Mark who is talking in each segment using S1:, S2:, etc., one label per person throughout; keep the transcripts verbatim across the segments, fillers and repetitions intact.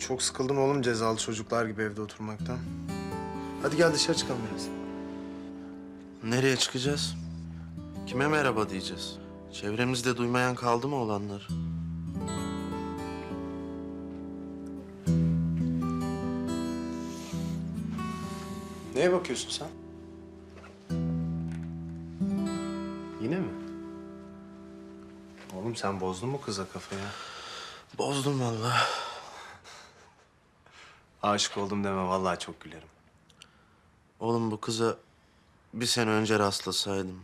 S1: Çok sıkıldım oğlum cezalı çocuklar gibi evde oturmaktan. Hadi gel dışarı çıkalım biraz.
S2: Nereye çıkacağız? Kime merhaba diyeceğiz? Çevremizde duymayan kaldı mı olanlar?
S1: Neye bakıyorsun sen? Yine mi? Oğlum sen bozdun mu kıza kafayı?
S2: Bozdum vallahi.
S1: Aşık oldum deme vallahi çok gülerim.
S2: Oğlum bu kıza bir sene önce rastlasaydım.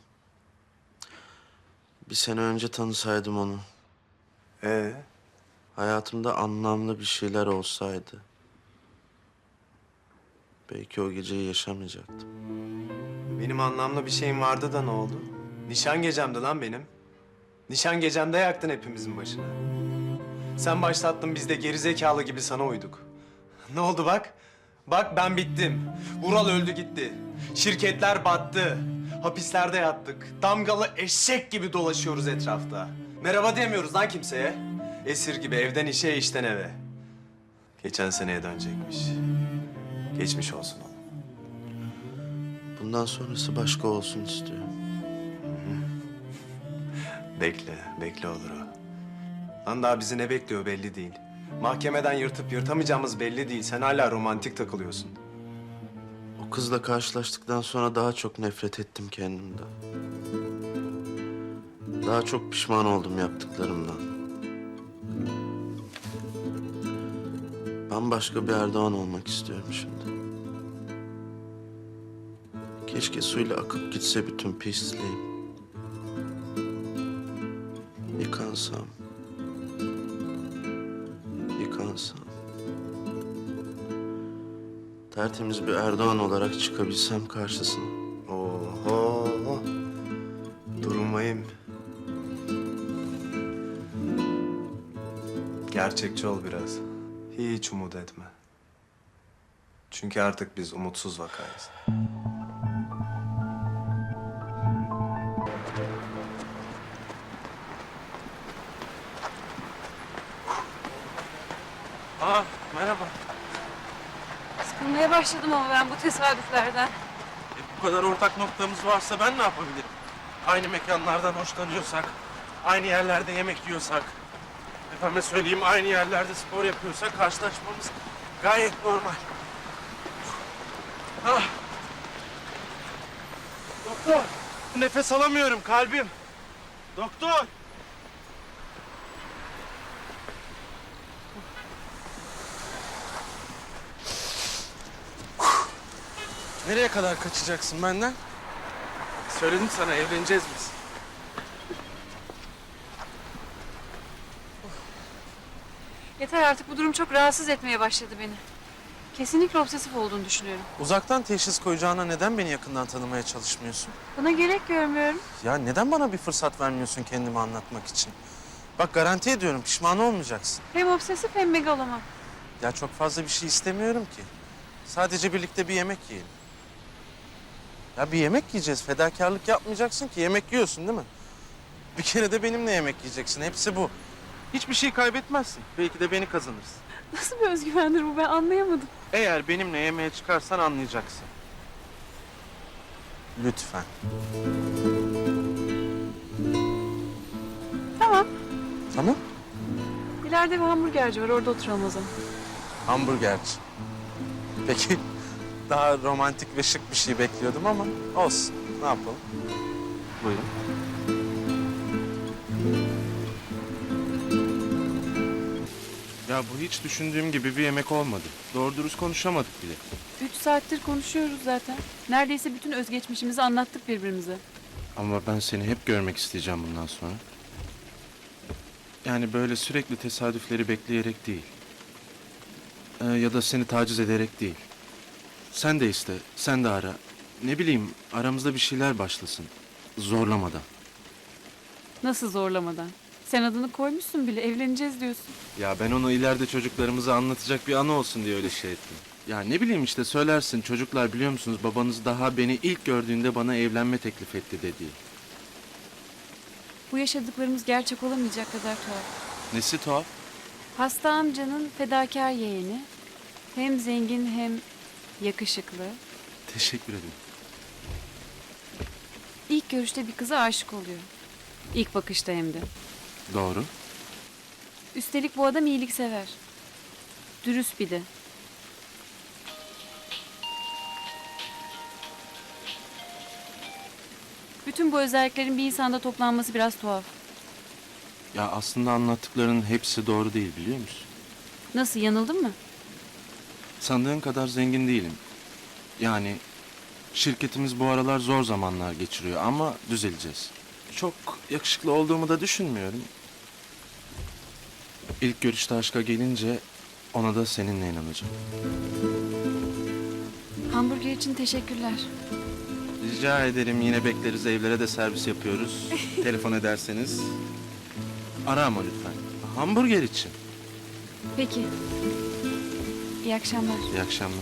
S2: Bir sene önce tanısaydım onu.
S1: Ee,
S2: Hayatımda anlamlı bir şeyler olsaydı. Belki o geceyi yaşamayacaktım.
S1: benim anlamlı bir şeyim vardı da ne oldu? Nişan gecemdi lan benim. Nişan gecemde yaktın hepimizin başına. Sen başlattın biz de gerizekalı gibi sana uyduk. Ne oldu bak? Bak ben bittim. Vural öldü gitti. Şirketler battı. Hapislerde yattık. Damgalı eşek gibi dolaşıyoruz etrafta. Merhaba diyemiyoruz lan kimseye. Esir gibi evden işe, işten eve. Geçen seneye dönecekmiş. Geçmiş olsun oğlum.
S2: Bundan sonrası başka olsun istiyorum.
S1: Bekle, bekle olur o. Lan daha bizi ne bekliyor belli değil. Mahkemeden yırtıp yırtamayacağımız belli değil. Sen hala romantik takılıyorsun.
S2: O kızla karşılaştıktan sonra daha çok nefret ettim kendimden. Daha çok pişman oldum yaptıklarımdan. Bambaşka bir Erdoğan olmak istiyorum şimdi. Keşke suyla akıp gitse bütün pisliğim. Yıkansam. Yıkansam. Tertemiz bir Erdoğan olarak çıkabilsem karşısına.
S1: Oho. Durmayayım. Gerçekçi ol biraz. Hiç umut etme. Çünkü artık biz umutsuz vakayız.
S2: Aa, merhaba.
S3: Sıkılmaya başladım ama ben bu tesadüflerden.
S2: E, bu kadar ortak noktamız varsa ben ne yapabilirim? Aynı mekanlardan hoşlanıyorsak, aynı yerlerde yemek yiyorsak, efendime söyleyeyim aynı yerlerde spor yapıyorsak karşılaşmamız gayet normal. Ah. Doktor, nefes alamıyorum kalbim. Doktor. Nereye kadar kaçacaksın benden? Söyledim sana evleneceğiz biz.
S3: Yeter artık, bu durum çok rahatsız etmeye başladı beni. Kesinlikle obsesif olduğunu düşünüyorum.
S4: Uzaktan teşhis koyacağına neden beni yakından tanımaya çalışmıyorsun?
S3: Buna gerek görmüyorum.
S4: Ya neden bana bir fırsat vermiyorsun kendimi anlatmak için? Bak garanti ediyorum pişman olmayacaksın.
S3: Hem obsesif hem megaloman.
S4: Ya çok fazla bir şey istemiyorum ki. Sadece birlikte bir yemek yiyelim. Ya bir yemek yiyeceğiz. Fedakarlık yapmayacaksın ki. Yemek yiyorsun değil mi? Bir kere de benimle yemek yiyeceksin. Hepsi bu. Hiçbir şey kaybetmezsin. Belki de beni kazanırsın.
S3: Nasıl bir özgüvendir bu, ben anlayamadım.
S4: Eğer benimle yemeğe çıkarsan anlayacaksın. Lütfen.
S3: Tamam.
S4: Tamam?
S3: İleride bir hamburgerci var, orada oturalım o zaman.
S4: Hamburgerci. Peki daha romantik ve şık bir şey bekliyordum ama olsun. Ne yapalım? Buyurun.
S5: Ya bu hiç düşündüğüm gibi bir yemek olmadı. Doğru dürüst konuşamadık bile.
S3: Üç saattir konuşuyoruz zaten. Neredeyse bütün özgeçmişimizi anlattık birbirimize.
S5: Ama ben seni hep görmek isteyeceğim bundan sonra. Yani böyle sürekli tesadüfleri bekleyerek değil. Ee, ya da seni taciz ederek değil. Sen de iste, sen de ara. Ne bileyim, aramızda bir şeyler başlasın. Zorlamadan.
S3: Nasıl zorlamadan? Sen adını koymuşsun bile, evleneceğiz diyorsun.
S5: Ya ben onu ileride çocuklarımıza anlatacak bir anı olsun diye öyle şey ettim. Ya ne bileyim işte söylersin, çocuklar biliyor musunuz babanız daha beni ilk gördüğünde bana evlenme teklif etti dediği.
S3: Bu yaşadıklarımız gerçek olamayacak kadar tuhaf.
S5: Nesi tuhaf?
S3: Hasta amcanın fedakar yeğeni. Hem zengin hem yakışıklı.
S5: Teşekkür ederim.
S3: İlk görüşte bir kıza aşık oluyor. İlk bakışta hem de.
S5: Doğru.
S3: Üstelik bu adam iyiliksever. Dürüst bir de. Bütün bu özelliklerin bir insanda toplanması biraz tuhaf.
S5: Ya aslında anlattıklarının hepsi doğru değil biliyor musun?
S3: Nasıl, yanıldın mı?
S5: Sandığın kadar zengin değilim. Yani şirketimiz bu aralar zor zamanlar geçiriyor ama düzeleceğiz. Çok yakışıklı olduğumu da düşünmüyorum. İlk görüşte aşka gelince ona da seninle inanacağım.
S3: Hamburger için teşekkürler.
S5: Rica ederim, yine bekleriz, evlere de servis yapıyoruz. Telefon ederseniz. Ara ama lütfen. Hamburger için.
S3: Peki. İyi akşamlar.
S5: İyi akşamlar.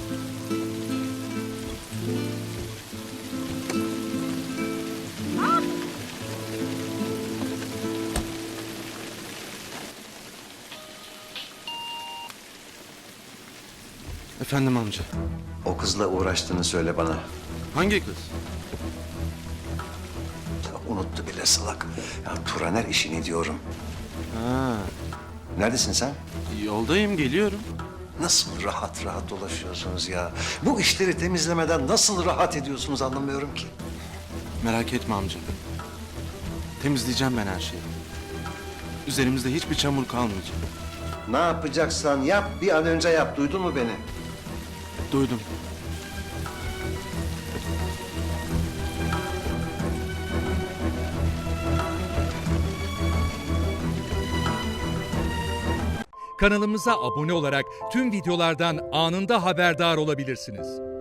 S5: Efendim amca.
S6: O kızla uğraştığını söyle bana.
S5: Hangi kız?
S6: Ya unuttu bile salak. Ya Turaner işini diyorum.
S5: Ha,
S6: Neredesin sen?
S5: yoldayım, geliyorum.
S6: Nasıl rahat rahat dolaşıyorsunuz ya? Bu işleri temizlemeden nasıl rahat ediyorsunuz anlamıyorum ki.
S5: Merak etme amca. Temizleyeceğim ben her şeyi. Üzerimizde hiçbir çamur kalmayacak.
S6: Ne yapacaksan yap, bir an önce yap. Duydun mu beni?
S5: Duydum.
S7: Kanalımıza abone olarak tüm videolardan anında haberdar olabilirsiniz.